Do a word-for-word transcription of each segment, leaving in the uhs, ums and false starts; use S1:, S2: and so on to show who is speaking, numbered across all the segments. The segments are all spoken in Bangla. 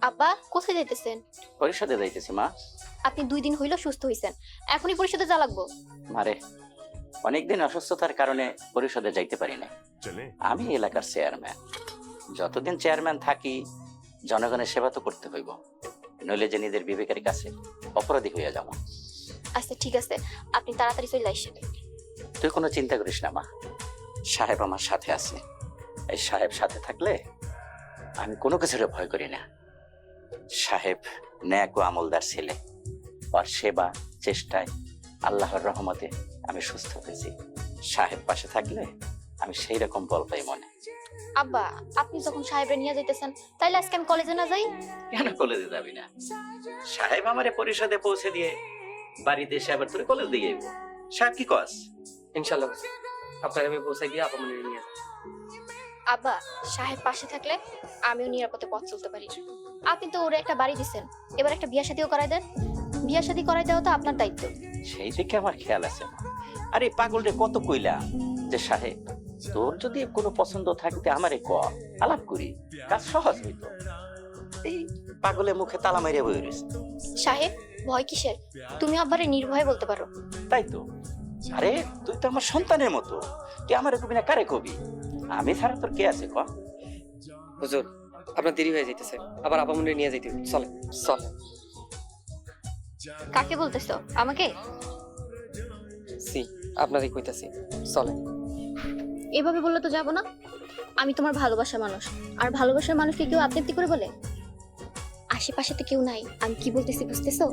S1: আব্বা কোথায় যাইতেছেন?
S2: পরিষদে যাইতেছি মা।
S1: আপনি দুই দিন হইল সুস্থ হইছেন, এখনই পরিষদে যা লাগবো?
S2: মারে অনেকদিন অসুস্থতার কারণে পরিষদে যাইতে পারি না। আমি এলাকার চেয়ারম্যান, যতদিন চেয়ারম্যান থাকি জনগণের সেবা তো করতে হইব, নইলে যে নিজের বিবেকের কাছে অপরাধী হইয়া যাব।
S1: আচ্ছা ঠিক আছে, আপনি তাড়াতাড়ি চলে আইসেন।
S2: তুই কোনো চিন্তা করিস না মা, সাহেব আমার সাথে আছে। এই সাহেব সাথে থাকলে আমি কোনো কিছুর ভয় করি না। সাহেব ন্যাক ও আমলদার ছেলে, আর সেবা চেষ্টায় আল্লাহর রহমতে আমি সুস্থ হয়েছি। সাহেব পাশে থাকলে আমি সেই রকম বল পাই মনে।
S1: আব্বা আপনি যখন সাহেবরে নিয়ে যাইতেছেন, তাইলে আজকে আমি কলেজে না যাই?
S2: কেন কলেজে যাবি না? সাহেব আমারে পরিষদে পৌঁছে দিয়ে বাড়িতে এসে আবার তোর কলেজ দিয়ে যাইব। সাহেব কি কস?
S3: ইনশাআল্লাহ আপনার আমি পৌঁছে গিয়ে আপা মনে নিয়ে আসবো।
S1: আব্বা সাহেব পাশে থাকলে আমিও নিরাপদে পথ চলতে পারি। আপনি তো ওরে একটা বাড়ি দিছেন, এবার একটা বিয়া শাদিও করাই দেন। বিয়া শাদি করাই দেওয়া তো আপনার দায়িত্ব।
S2: সেই দিকে আমার খেয়াল আছে। আরে পাগলরে কত কইলাম যে সাহেব তোর যদি কোনো পছন্দ থাকতে আমারে ক, আলাপ করি, কাজ সহজ হইতো। এই পাগলের মুখে তালা মারিয়া বই রয়েছে।
S1: সাহেব ভয় কিসের? তুমি আব্বারে নির্ভয়ে বলতে পারো।
S2: তাই তো। আরে তুই তো আমার সন্তানের মতো, তুই আমারে কবি না কারে কবি? আমি ছাড়া তোর কে আছে ক?
S3: হুজুর আপনার দেরি হয়ে যাইতেছে, আবার আপা মনে নিয়ে যাইতে হবে। চলে চলে।
S1: কাকে বলতেছো? আমাকে?
S3: সি আপনারই কইতাছি, চলে।
S1: এভাবে বললে তো যাবো না। আমি তোমার ভালোবাসার মানুষ, আর ভালোবাসার মানুষকে কেউ আপনি আপনি করে বলে? আশেপাশে তো কেউ নাই, আমি কি বলতেছি বুঝতেছো?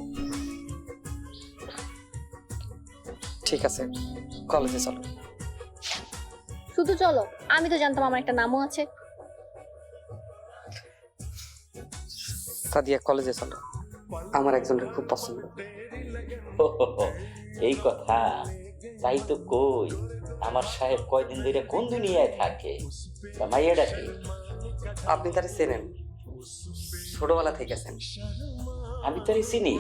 S3: ঠিক আছে কলেজে চলো।
S1: শুধু চলো? আমি তো জানতাম আমার একটা নামও আছে।
S3: সাদিয়া কলেজে চলো, আমার একজনের খুব পছন্দ।
S2: এই কথা? তাই তো কই আমার সাহেব কয়দিন ধরে কোন দুনিয়ায় থাকে? মাইয়াটা কি?
S3: আপনি তারে চেনেন, ছোটবেলা থেকে আছেন।
S2: আমি তারে চিনি।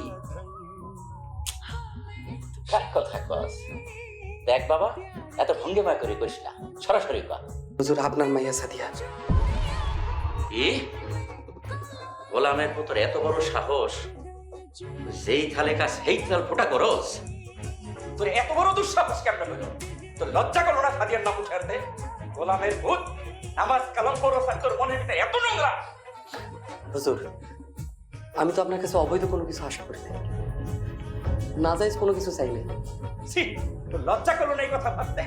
S2: কার কথা কস? দেখ বাবা, এত ভঙ্গিমা করে করিস না, সরাসরি কর।
S3: হুজুর আপনার মাইয়া সাদিয়া।
S2: এ গোলামের পুত্র এত বড় সাহস, যেই থালে কাজ সেই থাল ফোটা করস? তোর এত বড় দুঃসাহস কেমন হলো? তোর লজ্জা করলো না সাদিয়ার নাম উঠাতে? গোলামের ভূত, নামাজ কালাম করস আর তোর মনের ভিতরে এত নোংরা?
S3: হুজুর আমি তো আপনার কাছে অবৈধ কোনো কিছু আশা করি না, নাজায়েজ কোনো কিছু চাই না।
S2: ছি, তোর লজ্জা করলো না এই কথা ভাবতে?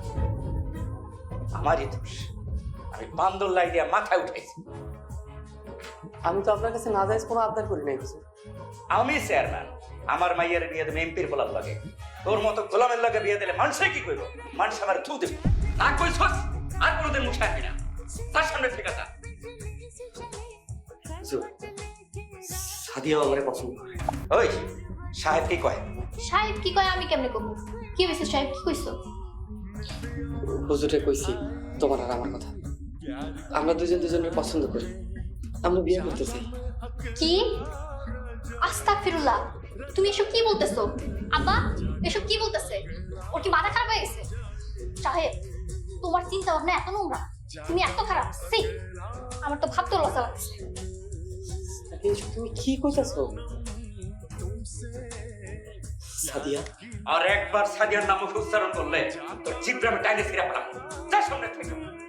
S2: আমারই দোষ, আমি বান্দর লাই দিয়া মাথায় উঠাইছি।
S3: আমি তো আপনার কাছে নাজায়েজ কোনো আবদার করি নাই হুজুর।
S2: আমি চেয়ারম্যান, আমার মাইয়ার বিয়ে দেবে এমপির গোলাম লাগে। তোর মতো গোলামের লাগে বিয়ে দিলে মানুষে কি করবো? মানুষ আমার থু দেবে। না কইছস আর কোনোদিন মুখে আসবি না, তার সামনে থেকে যা।
S3: হুজুর সাদিয়াও আমারে পছন্দ করে।
S2: ওই সাহেব কি কয়?
S1: সাহেব কি কয় আমি কেমনে কমু? কি হয়েছে সাহেব, কি কইছো?
S3: হুজুরে কইছি তোমার আর আমার কথা, আমরা দুজন দুজনের পছন্দ করি, আমরা বিয়ে করতে চাই।
S1: কি? আস্তাগফিরুল্লাহ, তুমি এসব কি বলতেছো? আব্বা এসব কি বলতেছে? ওর কি মাথা খারাপ হয়ে গেছে? সাহেব তোমার চিন্তা ভাবনা এত নোংরা, তুমি এত খারাপ। সি, আমার তো ভাবতে লজ্জা লাগছে।
S3: এইসব তুমি কি কইতাছো সাদিয়া?
S2: আর একবার সাদিয়ার নাম উচ্চারণ করলে তোর জিব্রামে টাইনে ছিঁড়া পড়া। তার সামনে থেকে